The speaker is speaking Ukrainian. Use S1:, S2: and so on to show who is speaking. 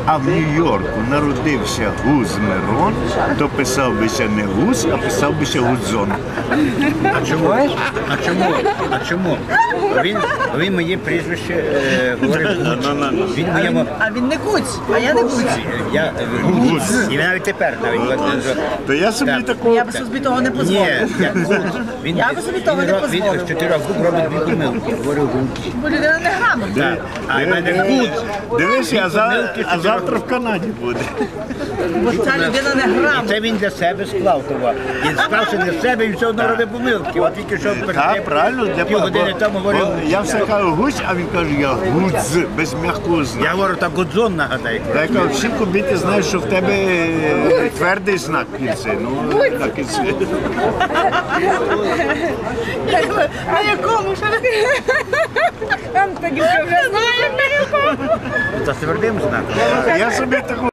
S1: а в Нью-Йорку народився Гуз Мирон, то писав би ще не Гуз, а писав би ще Гудзон.
S2: А чому? А чому? Він моє прізвище говорив Гуц. Він моєму...
S3: А він не Гуць, а я не Гуць.
S2: Я Гуц. І навіть тепер
S1: То я собі такого...
S3: Я б собі того не
S2: Ні,
S3: дозволив.
S2: я Гуц.
S3: Я би собі того не
S2: Він
S3: дозволив.
S2: з 4 губ робить 2 помилки. Говорю Гуц.
S3: Бо людина не грамотна.
S2: А в мене Гуц.
S1: Дивись, а завтра в Канаді буде.
S3: Бо ця людина не
S2: І
S3: грамотна.
S2: це він для себе склав того. Він склався для себе і все одно робить помилки. От тільки що
S1: Так, правильно, для
S2: півгодини тому говорив.
S1: я все кажу Гусь, а він каже, я Гудз, без м'якого
S2: Я
S1: знаку.
S2: говорю, так Гудзон нагадай.
S1: Я кажу, всі кобіти знають, що в тебе твердий знак в кінці. Ну, так і це.
S3: На якому? Там тоді вже знаємо.
S2: За твердим знаком.
S1: Я собі таку